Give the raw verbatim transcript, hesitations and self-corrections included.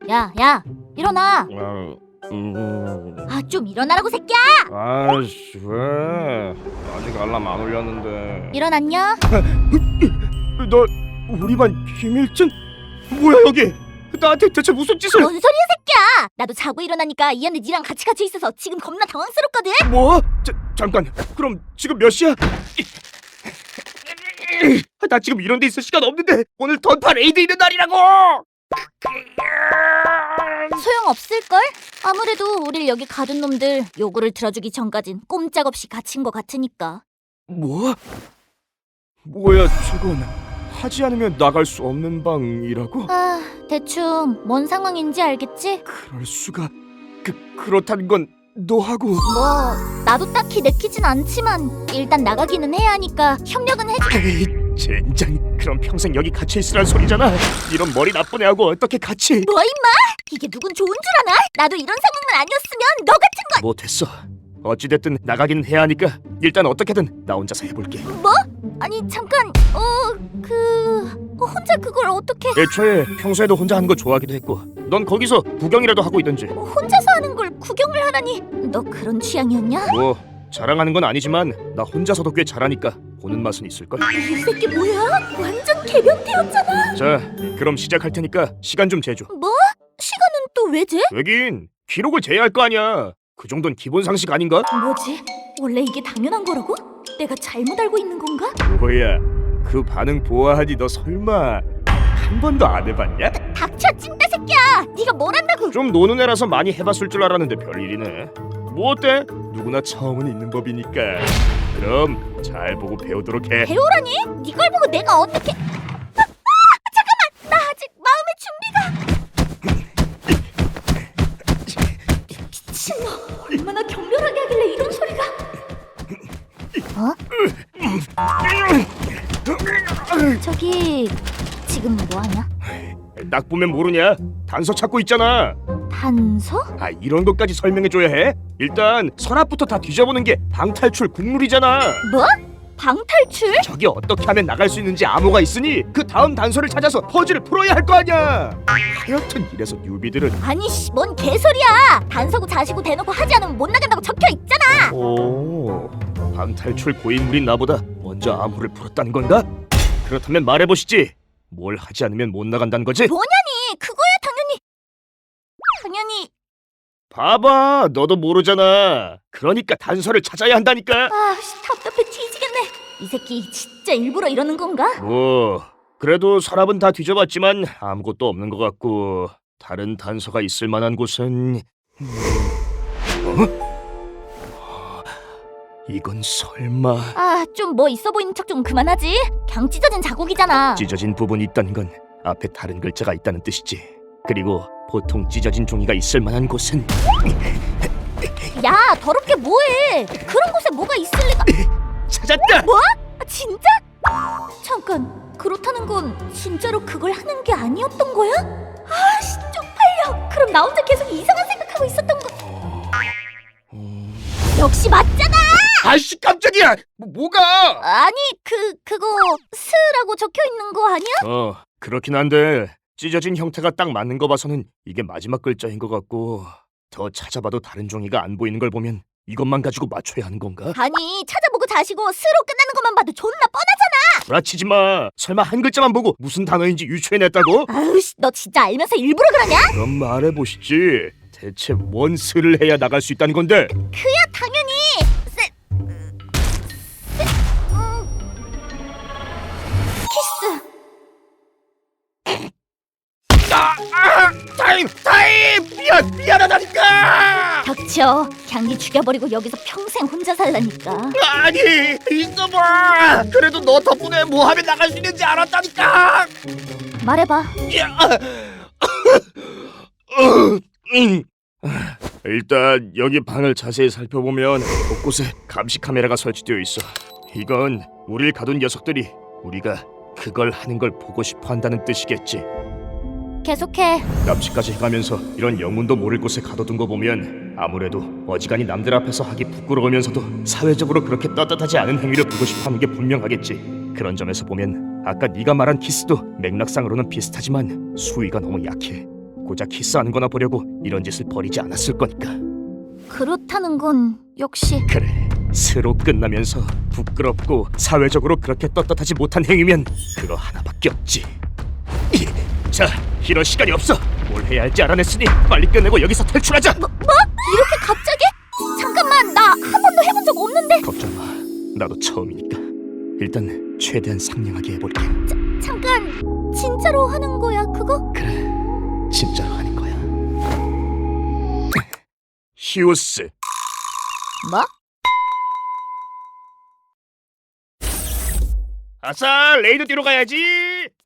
야, 야, 일어나. 아, 음, 아, 좀 일어나라고 새끼야. 아이씨 왜? 아직 알람 안 울렸는데. 일어났냐? 너 우리 반 김일진? 뭐야 여기? 나한테 대체 무슨 짓을? 뭔 소리야 새끼야. 나도 자고 일어나니까 이 안에 니랑 같이 같이 있어서 지금 겁나 당황스럽거든. 뭐? 자, 잠깐. 그럼 지금 몇 시야? 나 지금 이런 데 있을 시간 없는데 오늘 던파 레이드 있는 날이라고! 소용없을걸? 아무래도 우릴 여기 가둔 놈들 요구를 들어주기 전까진 꼼짝없이 갇힌 것 같으니까. 뭐? 뭐야 저건? 하지 않으면 나갈 수 없는 방이라고? 아, 대충 뭔 상황인지 알겠지? 그럴 수가. 그 그렇다는 건 너하고. 뭐 나도 딱히 내키진 않지만 일단 나가기는 해야 하니까 협력은 해줘. 에이, 젠장. 그럼 평생 여기 갇혀 있으란 소리잖아. 이런 머리 나쁜 애하고 어떻게 같이? 뭐 임마? 이게 누군 좋은 줄 아나? 나도 이런 상황만 아니었으면 너 같은 건. 못했어. 어찌됐든 나가긴 해야 하니까 일단 어떻게든 나 혼자서 해볼게. 뭐? 아니 잠깐 어그 어, 혼자 그걸 어떻게 애초에 평소에도 혼자 하는 거 좋아하기도 했고 넌 거기서 구경이라도 하고 있던지. 어, 혼자서 하는 걸 구경을 하다니. 너 그런 취향이었냐? 뭐 자랑하는 건 아니지만 나 혼자서도 꽤 잘하니까 보는 맛은 있을걸. 이 새끼 뭐야? 완전 개변태였잖아. 자 그럼 시작할 테니까 시간 좀 재줘. 뭐? 시간은 또 왜 재? 왜긴 기록을 재야 할 거 아니야. 그 정도는 기본 상식 아닌가? 뭐지? 원래 이게 당연한 거라고? 내가 잘못 알고 있는 건가? 뭐야 그 반응 보아하니 너 설마 한 번도 안 해봤냐? 닥쳐 찐따 새끼야. 네가 뭘 안다고? 좀 노는 애라서 많이 해봤을 줄 알았는데 별일이네. 뭐 어때? 누구나 처음은 있는 법이니까. 그럼 잘 보고 배우도록 해. 배우라니? 네 걸 보고 내가 어떻게? 아, 아, 잠깐만. 나 아직 마음의 준비가. 미친놈. 얼마나 격렬하게 하길래 이런 소리가? 어? 저기 지금 뭐하냐? 딱 보면 모르냐? 단서 찾고 있잖아. 단서? 아 이런 것까지 설명해줘야 해? 일단 서랍부터 다 뒤져보는 게 방탈출 국룰이잖아. 뭐? 방탈출? 저기 어떻게 하면 나갈 수 있는지 암호가 있으니 그 다음 단서를 찾아서 퍼즐을 풀어야 할 거 아니야. 하여튼 이래서 뉴비들은. 아니 씨, 뭔 개소리야. 단서고 자시고 대놓고 하지 않으면 못 나간다고 적혀 있잖아. 오, 방탈출 고인물인 나보다 먼저 암호를 풀었다는 건가? 그렇다면 말해보시지. 뭘 하지 않으면 못 나간다는 거지? 뭐냐니? 그거야 당연히. 당연히. 봐봐, 너도 모르잖아. 그러니까 단서를 찾아야 한다니까. 아, 씨, 답답해 뒤지겠네. 이 새끼 진짜 일부러 이러는 건가? 뭐 그래도 서랍은 다 뒤져봤지만 아무것도 없는 것 같고 다른 단서가 있을 만한 곳은 음, 어? 이건 설마 아, 좀 뭐 있어 보이는 척 좀 그만하지. 그냥 찢어진 자국이잖아. 찢어진 부분이 있다는 건 앞에 다른 글자가 있다는 뜻이지. 그리고 보통 찢어진 종이가 있을 만한 곳은 야, 더럽게 뭐해? 그런 곳에 뭐가 있을 리가? 찾았다! 뭐? 아, 진짜? 잠깐, 그렇다는 건 진짜로 그걸 하는 게 아니었던 거야? 아씨, 쪽팔려. 그럼 나 혼자 계속 이상한 생각하고 있었던 거. 역시 맞잖아. 아이씨 깜짝이야! 뭐, 뭐가? 아니, 그 그거 스라고 적혀 있는 거 아니야? 어 그렇긴 한데 찢어진 형태가 딱 맞는 거 봐서는 이게 마지막 글자인 것 같고 더 찾아봐도 다른 종이가 안 보이는 걸 보면 이것만 가지고 맞춰야 하는 건가? 아니, 찾아보고 자시고 스로 끝나는 것만 봐도 존나 뻔하잖아. 구라치지 마. 설마 한 글자만 보고 무슨 단어인지 유추해냈다고? 아우씨, 너 진짜 알면서 일부러 그러냐? 그럼 말해보시지. 대체 뭔 수를 해야 나갈 수 있다는 건데? 그야 당연히 세, 세, 음, 키스. 아, 아, 타임! 타임! 미안! 미안하다니까! 닥쳐. 향기 죽여버리고 여기서 평생 혼자 살라니까. 아니! 있어봐! 그래도 너 덕분에 뭐 하면 나갈 수 있는지 알았다니까! 말해봐. 야! 음. 일단 여기 방을 자세히 살펴보면 곳곳에 감시 카메라가 설치되어 있어. 이건 우릴 가둔 녀석들이 우리가 그걸 하는 걸 보고 싶어 한다는 뜻이겠지. 계속해. 납치까지 해가면서 이런 영문도 모를 곳에 가둬둔 거 보면 아무래도 어지간히 남들 앞에서 하기 부끄러우면서도 사회적으로 그렇게 떳떳하지 않은 행위를 보고 싶어 하는 게 분명하겠지. 그런 점에서 보면 아까 네가 말한 키스도 맥락상으로는 비슷하지만 수위가 너무 약해. 고작 키스하는 거나 보려고 이런 짓을 벌이지 않았을 거니까. 그렇다는 건 역시 그래, 스로 끝나면서 부끄럽고 사회적으로 그렇게 떳떳하지 못한 행위면 그거 하나밖에 없지. 이, 자, 이런 시간이 없어. 뭘 해야 할지 알아냈으니 빨리 끝내고 여기서 탈출하자. 뭐? 뭐? 이렇게 갑자기? 잠깐만, 나 한 번도 해본 적 없는데. 걱정 마, 나도 처음이니까. 일단 최대한 상냥하게 해볼게. 잠깐, 진짜로 하는 거야 그거? 그래, 진짜로 하는 거야. 히오스. 뭐? 아싸, 레이드 뛰러 가야지.